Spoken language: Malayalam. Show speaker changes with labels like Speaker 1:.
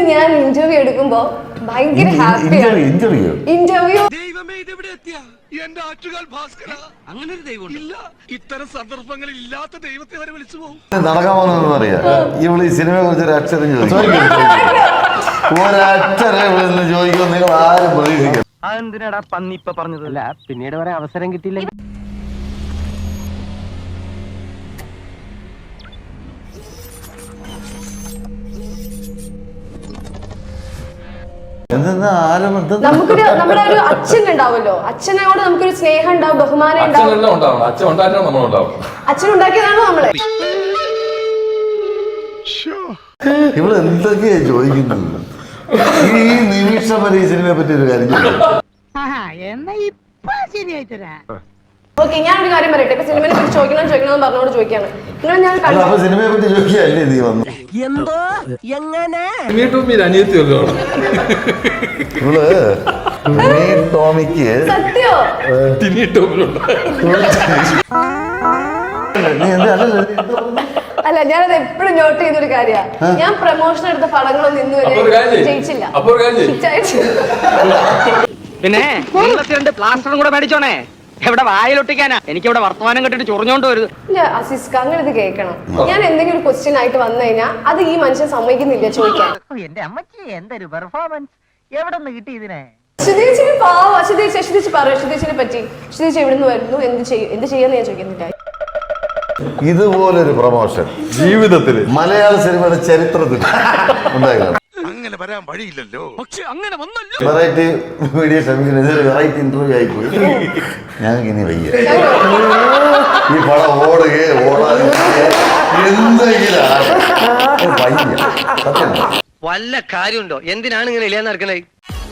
Speaker 1: ഞാൻ ഇന്റർവ്യൂ എടുക്കുമ്പോ ഭയങ്കര ഹാപ്പിയാണ്. ഇന്റർവ്യൂ
Speaker 2: എന്റെ ആറ്റുകാൽ ഭാസ്കര, അങ്ങനെ ഒരു ദൈവം ഇല്ല. ഇത്തരം സന്ദർഭങ്ങളിൽ ഇല്ലാത്ത ദൈവത്തെ വരെ വിളിച്ചു പോകും.
Speaker 3: നടക്കാൻ പോകുന്നതെന്ന് അറിയാം. ഇവള് ഈ സിനിമയെ കുറിച്ച് ഒരു അക്ഷരം ചോദിക്കും, ഒരക്ഷരം ഇവിടെ ചോദിക്കും. നിങ്ങൾ ആരും പ്രതീക്ഷിക്കും.
Speaker 4: അതെന്തിനാടാ പന്നി ഇപ്പൊ പറഞ്ഞതല്ല, പിന്നീട് വരെ അവസരം കിട്ടിയില്ല.
Speaker 1: നമുക്കൊരു നമ്മുടെ ഒരു അച്ഛൻ ഉണ്ടാവുമല്ലോ, അച്ഛനോട് നമുക്കൊരു സ്നേഹം ഉണ്ടാവും, ബഹുമാനം ഉണ്ടാവും. അച്ഛൻ ഉണ്ടാക്കിയതാണോ നമ്മളെ?
Speaker 3: ഇവിടെ എന്തൊക്കെയാ ചോദിക്കുന്നത്? ഈ നിമിഷം വരെ ഈ സിനിമയെ പറ്റി ഒരു കാര്യം
Speaker 1: ഓക്കെ, ഞാനൊരു കാര്യം പറയട്ടെ. ഇപ്പൊ സിനിമയെ പറ്റി ചോദിക്കണം പറഞ്ഞോട് ചോദിക്കാണ്. നിങ്ങൾ ഞാൻ
Speaker 3: സിനിമയെ പറ്റി ചോദിക്കുകയല്ലേ നീ വന്നു?
Speaker 4: എന്തോ എങ്ങനെ
Speaker 3: ടോമിക്ക്
Speaker 1: സത്യോ അല്ല, ഞാനത് എപ്പോഴും നോട്ട് ചെയ്യുന്നൊരു കാര്യമാണ്. ഞാൻ പ്രൊമോഷൻ എടുത്ത പടങ്ങളൊന്നും ഇന്നുവരെ ജയിച്ചില്ല.
Speaker 4: പിന്നെ പ്ലാസ്റ്ററും കൂടെ മേടിച്ചോണേ. എവിടെ വായിലൊട്ടിക്കാനാ? എനിക്ക് ഇവിടെ വർത്തമാനം കെട്ടിട്ട് ചൊറിഞ്ഞോണ്ട് വരുത്.
Speaker 1: ഇല്ല അസിസ്ക, അങ്ങനെ ഇത് കേൾക്കണം. ഞാൻ എന്തെങ്കിലും ഒരു ക്വസ്റ്റ്യൻ ആയിട്ട് വന്നു കഴിഞ്ഞാൽ അത് ഈ മനുഷ്യൻ സമ്മതിക്കുന്നില്ല ചോദിക്കാൻ.
Speaker 4: എന്റെ അമ്മച്ചി എന്തൊരു പെർഫോമൻസ്, എവിടെ നിന്ന് കിട്ടി ഇതിനെ?
Speaker 1: അശ്വതീച്ചിന് പാവം. അശ്വതീച്ച് പറയും അശ്വതീച്ചിനെ പറ്റി. അശ്വതീച്ച് എവിടെ നിന്ന് വരുന്നു, എന്ത് ചെയ്യാന്ന് ഞാൻ ചോദിക്കുന്നില്ല.
Speaker 3: ഇതുപോലൊരു പ്രൊമോഷൻ ജീവിതത്തിൽ മലയാള സിനിമയുടെ ചരിത്രത്തിൽ ഉണ്ടായിരുന്നു.
Speaker 2: അങ്ങനെ വരാൻ വഴിയില്ലല്ലോ. പക്ഷെ അങ്ങനെ വന്നല്ലോ.
Speaker 3: വെറൈറ്റി മീഡിയ ശ്രമിക്കുന്നത് വെറൈറ്റി ഇന്റർവ്യൂ ആയിപ്പോയി. ഞങ്ങൾക്ക് ഇനി വയ്യ. ഈ പടം ഓടാതെ എന്തെങ്കിലും വയ്യ. സത്യം.
Speaker 4: വല്ല കാര്യമുണ്ടോ? എന്തിനാണ് ഇങ്ങനെ ഇല്ലാന്ന് നടക്കണേ?